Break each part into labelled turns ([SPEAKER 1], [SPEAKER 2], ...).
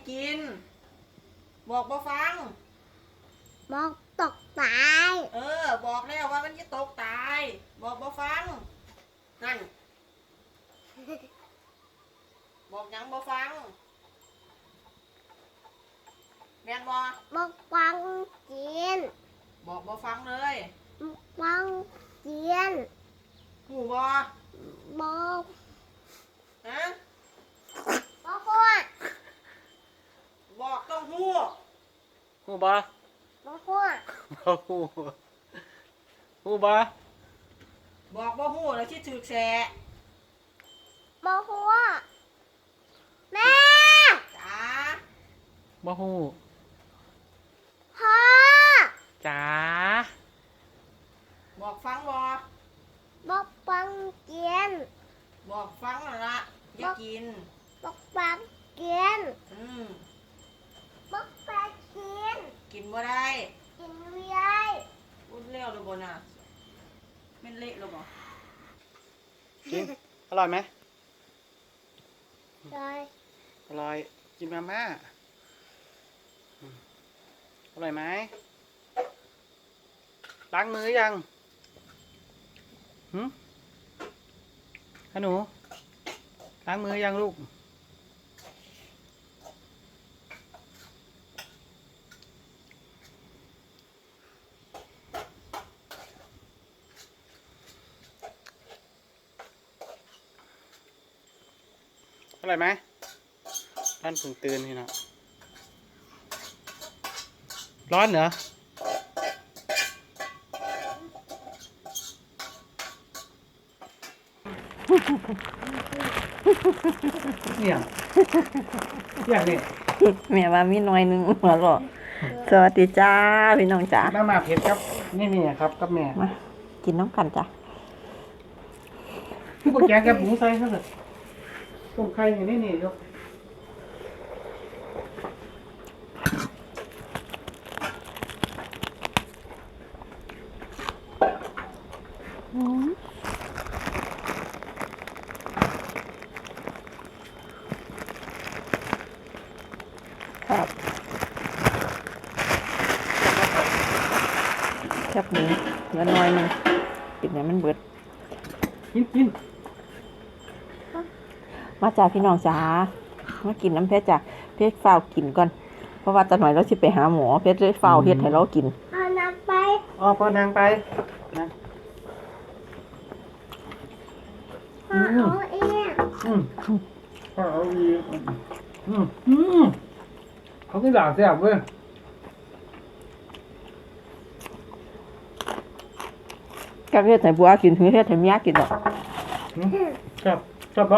[SPEAKER 1] กินบอกบ่ฟัง
[SPEAKER 2] บอกตกตาย
[SPEAKER 1] บอกแล้วว่ามันจะตกตายบอกบ่ฟังนั่นบอกยังบ่ฟังแม่นบ่
[SPEAKER 2] บอกฟังกิน
[SPEAKER 1] บอกบ่ฟังเลย
[SPEAKER 2] ฟังกิน
[SPEAKER 1] หูบ่
[SPEAKER 2] บอก
[SPEAKER 1] ฮะ
[SPEAKER 2] บอกหัว
[SPEAKER 1] บอกต้องหู
[SPEAKER 3] หูบ่
[SPEAKER 2] บอกหัว
[SPEAKER 3] บ่หูหูบ่
[SPEAKER 1] บอกบ่หูแล้วที่ถือแฉะ
[SPEAKER 2] บอกหัวแม่
[SPEAKER 1] จ๋า
[SPEAKER 3] บ่หู
[SPEAKER 2] พ่อ
[SPEAKER 3] จ๋า
[SPEAKER 1] บอกฟังบ่
[SPEAKER 2] บอกฟังกิน
[SPEAKER 1] บอกฟังนั่นละอย่ากิน
[SPEAKER 2] บอกฟังกินบอกฟังกิน
[SPEAKER 1] กินบ่ได้
[SPEAKER 2] กินไม่ได้
[SPEAKER 1] พูดเร็วหรือบ่น่ะแม่นเละหรือบ่
[SPEAKER 3] กินอร่อยไหม
[SPEAKER 2] ได้
[SPEAKER 3] อร่อยกินมาม่าอร่อยไหมล้างมือยังหนูล้างมือยังลูกอร่อยไหมท่านเพิ่งตื่นนี่นะร้อนเหรอเนี่ยนี่
[SPEAKER 1] แม่ว่ามีน้อยนึงหัวหรอสวัสดีจ้าพี่น้องจ้า
[SPEAKER 3] มาเผ็ดครับนี่ครับกับแม่
[SPEAKER 1] มากินน้ำกันจ้ะ
[SPEAKER 3] พี่กุญแจกับหมูใส่ครับเลยต้มไข่อย่างนี้ยก
[SPEAKER 1] ครับแคบหมูเหลือน้อยนึงกินเนี่ยมันเบิด
[SPEAKER 3] กิน
[SPEAKER 1] มาจ้าพี่น้องจ้ามากินน้ำเพชรจ้ะเพชรฝ้าวกินก่อนเพราะว่าตอนหน่อยเราสิไปหาหมอเพชรเลยฝ้าวเฮ็ดให้เรากิน
[SPEAKER 2] เอาน้ำไป
[SPEAKER 3] พอนางไปนะ
[SPEAKER 2] พ่อเอาเอง
[SPEAKER 3] พ่อเอาเองเขาก็ด่าแซ่บเว้ย
[SPEAKER 1] ก็เฮ็ดให้บัวกินถึงเฮ็ดให้เมียกินดอก
[SPEAKER 3] ชอบปะ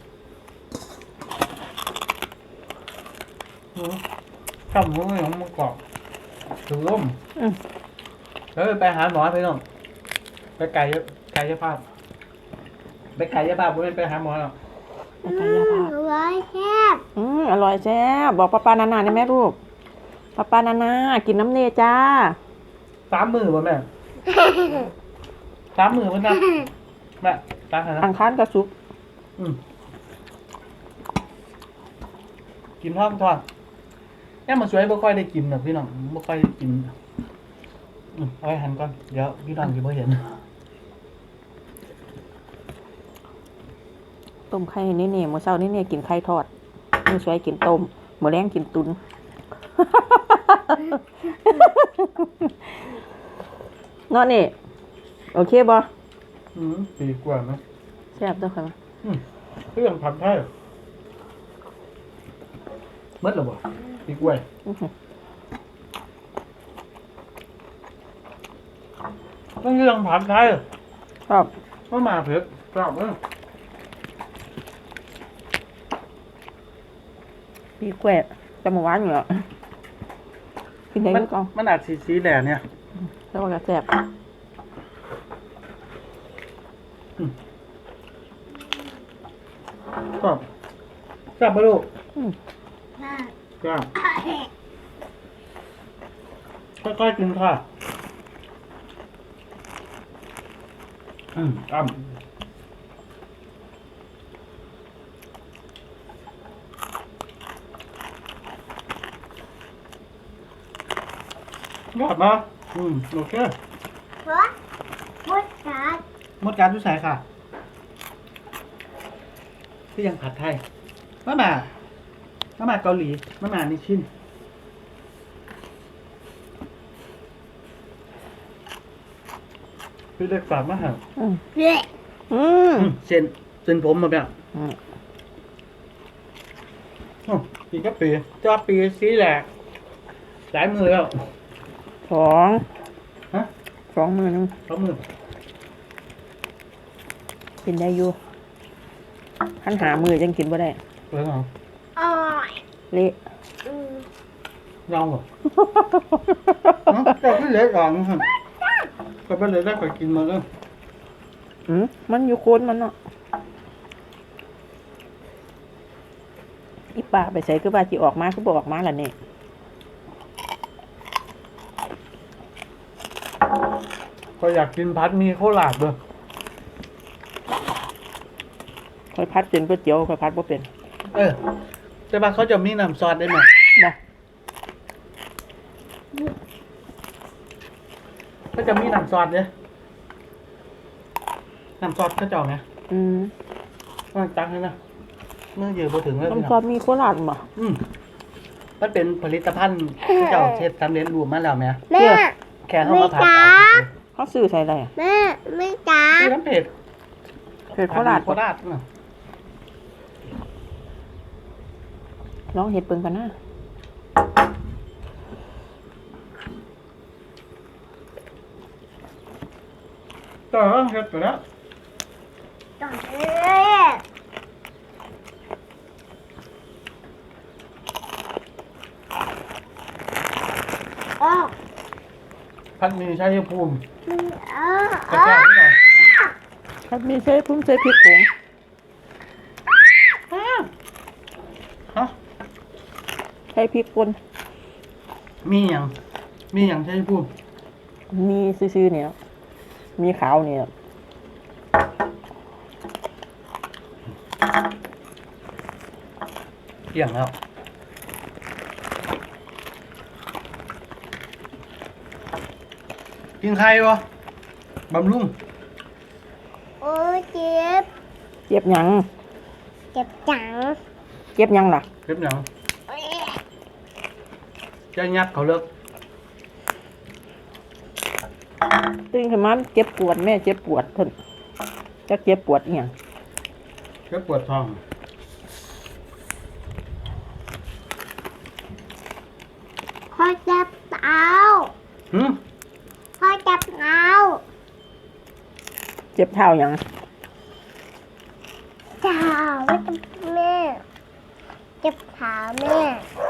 [SPEAKER 3] ชอบหมูของมันกรอบถึงร่มแล้วไปหาหมอไปน้องไปไก่ภาพไปไก่ภาพไม่ไปหาหมอหรอก
[SPEAKER 1] ไปไก่ภาพ
[SPEAKER 2] อร่อยแซ่บ
[SPEAKER 1] อร่อยแซ่บบอกป้านานาได้ไหมลูกป้านานากินน้ำเนยจ้า
[SPEAKER 3] 3 มื้อป่ะแม่3 มื้อป่ะนะแม่ตาหา
[SPEAKER 1] อังคารกับศุกร์
[SPEAKER 3] กินทอดเนี่ยมันสวยบ่ค่อยได้กินหรอกพี่น้องบ่ค่อยได้กินเอาไว้หันก่อนเดี๋ยวพี่น้องจะไม่เห็น
[SPEAKER 1] ต้มไข่นี่มื้อเช้านี่กินไข่ทอดมื้อสวยกินต้มมื้อแลงกินตุ๋นเนาะนี่โอเคบ่
[SPEAKER 3] ดีกว่าไหม
[SPEAKER 1] แซ่บด้วยค่ะ
[SPEAKER 3] เรื่องผัดไทยมัดหรอบ่ดีกว่าต้องเรื่องผัดไทย
[SPEAKER 1] ครับ
[SPEAKER 3] มาเผ็ดกรอบ
[SPEAKER 1] ดีกว่าจะมาหวานอยู่อ่ะกินได้ก็
[SPEAKER 3] มันอาจสีแหล่เนี่ย
[SPEAKER 1] แล้วก็แซ่บ
[SPEAKER 3] กรอบแซ่บปะลูกกรอบค่อยๆกินค่ะอ้ำยอดมาโอเค
[SPEAKER 2] เพราะมดกัด
[SPEAKER 3] มดการทุกสายค่ะที่ยังผัดไทยมาเกาหลีมานิชินพี่เล็กฝากมาหา
[SPEAKER 2] เละ
[SPEAKER 3] เส้นผมมาแบบปีก็ปีเจ้าปีสีแหลกหลายมือแล้ว
[SPEAKER 1] สอง
[SPEAKER 3] ฮะ
[SPEAKER 1] 2 มื้อนึง
[SPEAKER 3] สองมือ
[SPEAKER 1] กินได้อยู่คันหามื้อจังกินบ่ได้
[SPEAKER 3] เปิดหรอ
[SPEAKER 2] อ่อย
[SPEAKER 1] เละ
[SPEAKER 3] ลองเหรอเจ้าขึ้นเล็กก่อนนะครับก็ไปเลยได้ก็กินมาแล้ว
[SPEAKER 1] มันอยู่โคนมันเนาะอีป่าไปใส่คือว่าสิออกมาคือบ่ออกมาล่ะนี่
[SPEAKER 3] ก็อยากกินพัดมีโคราชด้วย
[SPEAKER 1] ค่อยพัดเป็นก๋วยเตี๋ยวค่อยพัดบ่เป็น
[SPEAKER 3] แต่ว่าเขาจะมีน้ำซอสได้ไหม
[SPEAKER 1] บ่
[SPEAKER 3] ก็จะมีน้ำซอสเนี่ยน้ำซอสเขาจะเอาไงมันตังเลยนะเมื่อเยอะพอถึงแล้ว
[SPEAKER 1] น้ำซอสมีโคราชบ่
[SPEAKER 3] มันเป็นผลิตภัณฑ์ที่เจ้าเช็ดสำเร็จรูปมาแล้วไหม
[SPEAKER 2] แม่
[SPEAKER 3] แค่เขามาผัด
[SPEAKER 1] เขาซื้อใส่ได้
[SPEAKER 2] แม่ไม่จ้า
[SPEAKER 3] คือน้ำเผ็ด
[SPEAKER 1] เผ็ดโคราช
[SPEAKER 3] โคราชน่ะ
[SPEAKER 1] ลองเฮ็ดเบิ่งกันนะ
[SPEAKER 3] ต่อเฮ็ดไปแล้ว
[SPEAKER 2] ต่อเลยอ๋อ
[SPEAKER 3] พัดมีชัยภูมิ
[SPEAKER 2] อ๋อก
[SPEAKER 3] ระแทกนิดหน่อย
[SPEAKER 1] ครับมีใส่พุ่มใส่พริกผง
[SPEAKER 3] ฮะ
[SPEAKER 1] ใส่พริกป่น
[SPEAKER 3] มีอย่างชัยภูมิ
[SPEAKER 1] มีซื่อๆเนี่ยมีขาวเนี่ย
[SPEAKER 3] เกี่ยงแล้วกินใครวะบำรุง
[SPEAKER 2] โอ้ยเจ็บ
[SPEAKER 1] เจ็บหยัง
[SPEAKER 2] เจ็บจัง
[SPEAKER 1] เจ็บหยังล่ะ
[SPEAKER 3] เก็บหยังจะยัดเขาเลิก
[SPEAKER 1] ตื่นขึ้นมาเจ็บปวดแม่เจ็บปวดเพิ่นจักเจ็บปวดอีหยัง
[SPEAKER 3] เก็บปวดท้อง
[SPEAKER 2] พ่อจับเท้า
[SPEAKER 3] หืม
[SPEAKER 2] พ่อจับเท้า
[SPEAKER 1] เจ็บเท้าหยัง
[SPEAKER 2] เท้าไม่จับแม่เจ็บเท้าแม่